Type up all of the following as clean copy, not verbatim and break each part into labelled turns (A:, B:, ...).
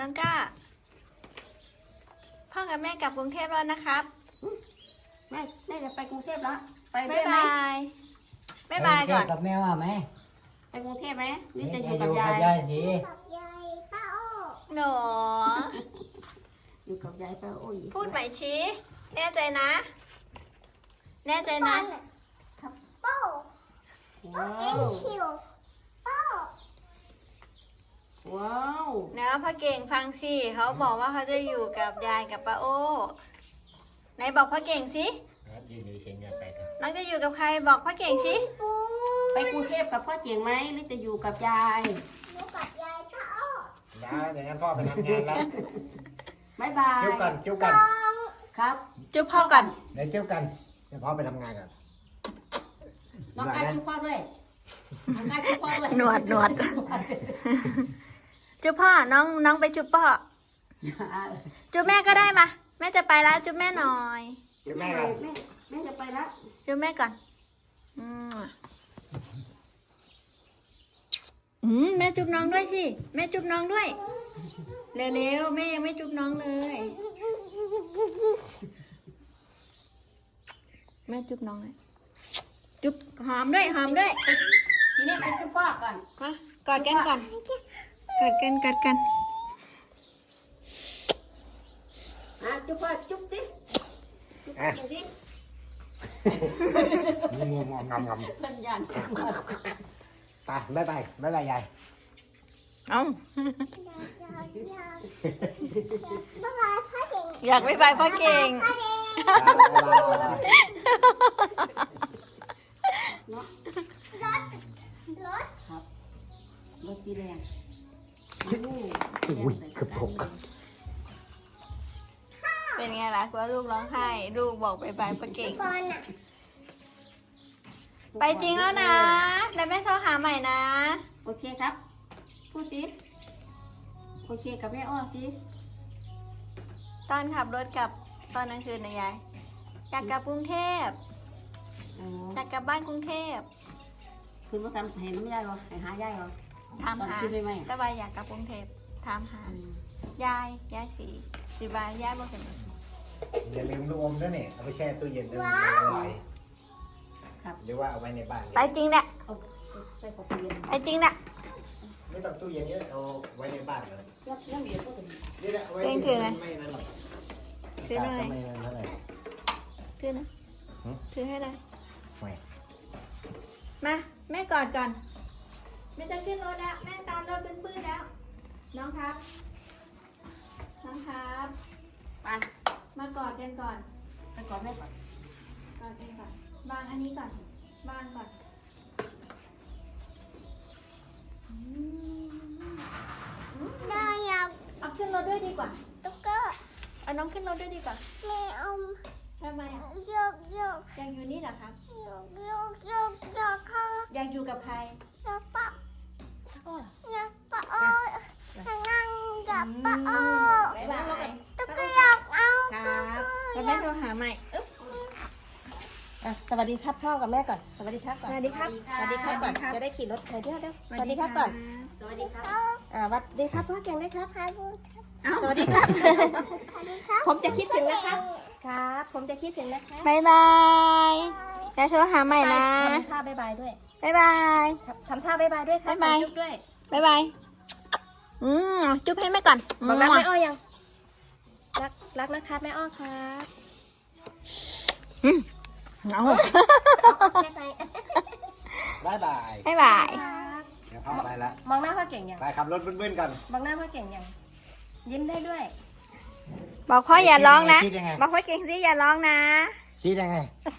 A: น้องก้าพ่อกับแม่กลับกรุงเทพแล้วนะครับ
B: แม่จะไปกรุงเทพแล้วไป
A: บ๊ายบายบ๊ายบายก่อน
C: กับแม่ว่าไหม
B: ไปกรุงเทพไหมนี่จะอยู่กับยาย
C: สิ
A: หนู
B: อยู่กับยายป้าโอ้ย
A: พูดใหม่ชี้แน่ใจนะแน่ใจนะ
B: ว้าวว้าว
A: นะพ่อเก่งฟังสิเขาบอกว่าเขาจะอยู่กับยายกับป้าโอ้ไหนบอกพ่อเก่งสิน้องจะอยู่กับใครบอกพ่อเก่งสิ
B: ไปกรุงเทพกับพ่อเจ๋งไหมหรือจะอยู่กับยาย
C: เดี๋ยวงั้นพ่อไปทำงานแล้ว
B: บ๊ายบาย
C: จุ๊บกันจุ๊บกัน
B: ครับ
A: จุ๊บพ่อก่อน
C: เดี๋ยวจุ๊บกันเดี๋ยวพ่อไปทำงานกัน
B: น้องกายจุ๊บพ่อด้วยน้องกายจุ๊บพ่อด้วย
A: หนวดจุ๊บพ่อน้องไปจุ๊บพ่อจุ๊บแม่ก็ได้มาแม่จะไปแล้วจุ๊บแม่หน่อย
C: จุ๊บแม่กัน
B: แม่จะไปแล้ว
A: จุ๊บแม่ก่อนแม่จุ๊บน้องด้วยสิแม่จุ๊บน้องด้วยเร็วๆแม่ยังไม่จุ๊บน้องเลยแม่จุ๊บน้องเลยจุ๊บหอมด้วย
B: ทีนี้ไปจุ๊บพ่อก่อน
A: มากอดกันก่อนกอดกัน
B: จุ๊บพ่อจุ๊บสิจุ๊บจริงสิ
C: งงงำ
B: เพื่อนยัน
C: ไปบ๊ายบายยาย
A: เอ้าอยากไปไปพ่อเก่ง
B: ครับรถสีแดง
C: อุ้ยเกือบหก
A: เป็นไงล่ะกลัวลูกร้องไห้ลูกบอกไปไปพ่อเก่งไปจริงแล้วนะแล้วแม่โทรหาใหม่นะ
B: โอเคครับพูดสิโอเคกับแม่อ้อสิ
A: ตอนขับรถกลับตอนกลางคืนนะยายอยากกลับกรุงเทพอยากกลับบ้านกรุงเทพ
B: คุณมาทำเห็นน้ำยายเหรอเห็นหายายเหรอ
A: ถามหา
B: ตอนชื่อไม่ไหม
A: แต่ว่าอยากกลับกรุงเทพถามหายายสีบายยายบอกเห็น
C: อย่าลืมลูกอมด้วยเนี่ยเอาไปแช่ตู้เย็นด้วยละลายหรือว่าเอาไว้ในบ้าน
A: ไปจริงแหละ
B: เอาใส่ของเย็น
A: ไปจริงแหละ
C: ไม่ต้องตู้เย็นเยอะเอาไว้ในบ้านเลย
B: ย่ำเย็นก็ถึง
C: นี่แหละเอาไว้ไม่นั่นหรอก
A: ซื้อหน่อย
C: ไม่นั่นเท่าไหร่
A: ซื้อนะซื้อให้เลย
C: ไม่
A: มาแม่กอดก่อนแม่จะขึ้นรถแล้วแม่ตามรถเป็นปื้นแล้วน้องครับ
B: ไป
A: มากอดกันก่อน
B: ไปก่อนแม่ก่อน
A: กอดกันก่อนวางอันนี้ก่อนวางก่อนเอาขึ้นรถด้วยดีกว่าเอาน้องขึ้นรถด้วยดีกว่าทำไมอ่ะอยากอยู่นี่เหรอครับอยากอยู่กับใครบ๊ายบายแล้วแม่โทรหาใหม่อึ๊บ
D: สวัสดีครับพ่อกับแม่ก่อนสวัสดีครับก่อน
A: สวัสดีครับ
D: สวัสดีครับก่อนจะได้ขี่รถเดี๋ยวสวัสดีครับก่อน
B: สวัสดีครับ
D: สวัสดีครับพ่อเก่งได้ครับสวัสดีครับผมจะคิดถึงนะครับครับผมจะคิดถึงนะครับ
A: บ๊ายบายแล้วโทรหาใหม่นะ
D: ทำท่าบ๊ายบายด้วย
A: บ๊ายบาย
D: ทำท่าบ๊ายบายด้วยครับ
A: บ๊ายบาย
D: จุ๊บด้วย
A: บ๊ายบายจุ๊บให้แม่ก่อน
D: บอกรักแม่อ้อยังรักนะครับแม่อ้อครับ
A: เอา
D: แม่ไป
C: บ๊ายบาย
A: บ๊ายบาย
C: เดี๋ยวพ่อไปละ
D: มองหน้าพ่อเก่งยัง
C: ไปขับรถเบิ้ลๆกัน
D: มองหน้าพ่อเก่งยังยิ้มได้ด้วย
A: บอกพ่ออย่าร้องนะ
C: คิดยังไง
A: บอกพ่อเก่งสิอย่าร้องนะ
C: ชี้ยังไง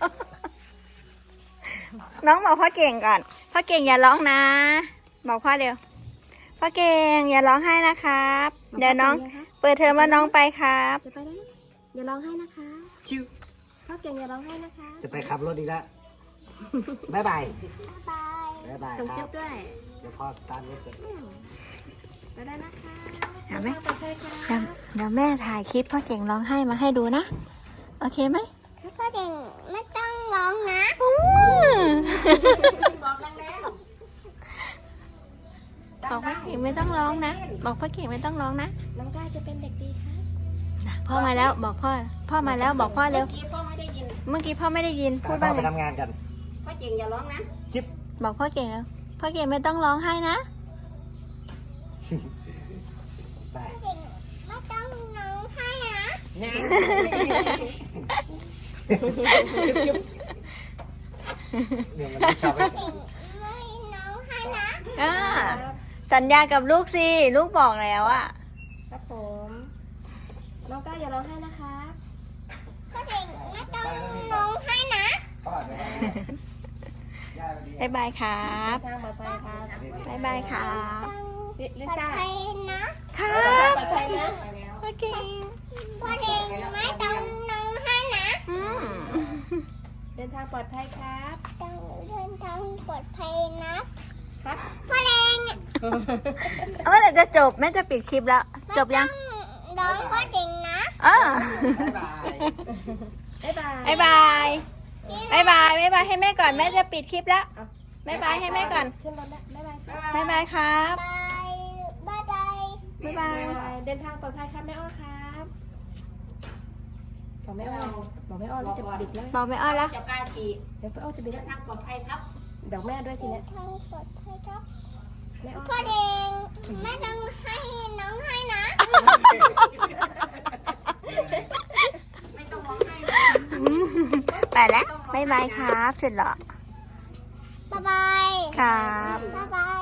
A: น้องบอกพ่อเก่งก่อน พ่อเก่งอย่าร้องนะ บอกพ่อเร็ว พ่อเก่งอย่าร้องไห้นะครับ เดี๋ยวน้องเปิดเทอมแล้วน้องไปครับ
D: จะไปแล้วนะอย่าร้องไห้นะคะ
C: ชิว
D: พ่อเก่งอย่าร้องไห้นะคะ
C: จะไปขับรถอีกแล้วบ๊ายบายบ๊ายบาย
D: ส่ง
C: ค
D: เก็
C: รั
D: บบ ด้วย
C: เดี๋ยวพ่อตามรถกัน
D: ไปได้นะคะ
A: เห็นไหม
D: ไปเลยค่ะ
A: เดี๋ยวแม่ถ่ายคลิปพ่อเก่งร้องไห้มาให้ดูนะ โอเคไหม
D: พ่อเก่งไม่ต้องร้องนะ
B: บอกกันแล้ว
A: บอกพ่อเก่งไม่ต้องร้องนะ
B: เล่น
A: บอกพ่อเก่งไม่ต้องร้องนะ
D: น้องก้าจะเป็นเด็กดีครับ
A: พ่อมาแล้วบอกพ่อ พ่อมาแล้วบอกพ่อเร็ว
B: เมื่อกี้พ่อไม่ได้ยิน
A: เมื่อกี้พ่อไม่ได้ยินพูด
C: พ่อ
A: ว่า
C: ไป
A: ไง
C: ทำงานกัน
B: พ่อเก่งอย่าร้องนะ
C: จิ๊บ
A: บอกพ่อเก่งแล้วพ่อเก่งไม่ต้องร้องไห้นะ
C: ไป
D: ไม่ต้องน้องให้นะ
C: เดี๋ยวมันไม่ชอบให้
D: ไม่น้องให้นะ
A: อ่าสัญญากับลูกสิ ลูกบอกแล้วอะ
D: ครับผมน้องก้าอย่าร้องไห้นะครับ
B: พ่อเก่งไม่ต้องน้องให้นะ
C: พ่อไปทำงานย่าไปดี
A: บ๊ายบายครับ
D: ทางปลอดภัยครับ
A: บ๊ายบายครับ
D: ลิซ่า
A: ครับ
D: ปลอดภัยนะ
A: พ่อเก่ง
B: พ่อเก่งไม่ต้องน้องให้นะ
A: อืม
D: เดินทางปลอดภัยครับ
B: ต้องเดินทางปลอดภัยนะ
D: ครับ
B: พ่อเก่ง
A: เมื่อไหร่จะจบแม่จะปิดคลิปแล้ว จบยัง
B: ร้องพ่อเก่งนะ
A: เออ
C: บ๊ายบาย
D: บ๊ายบาย
A: บ๊ายบายบ๊ายบายบ๊ายบายให้แม่ก่อนแม่จะปิดคลิปแล้วบ๊ายบายให้แม่ก่อน
D: ขึ้นรถแล้วบ๊ายบาย
A: บ๊ายบายครับ
B: บายบายบาย
A: บ๊ายบาย
D: เดินทางปลอดภัยครับแม่อ้อครับบอกแม่อ้อบอกแม่อ้อเราจะบิดแล้ว
A: บอกไม่อ้อนแล้ว
B: จะพาขี่
D: เดี๋ยวแม่อ้อจะบิด
B: เดิ
D: แล้ว
B: นทางปลอดภัยครับ
D: บอกแม่ด้วยที
B: เดิ
D: เนี้
B: น
D: ย
B: ทางปลอดภัยครับ
D: แม่อ้อ
B: พ่อเก่งไม่ต้องให้น้องให้นะ ไม่ต้องร้องให้นะ
A: ไปแล้วบ๊ายบายครับสุดหล่อ
B: บ๊ายบาย
A: ครับ
B: บ๊ายบาย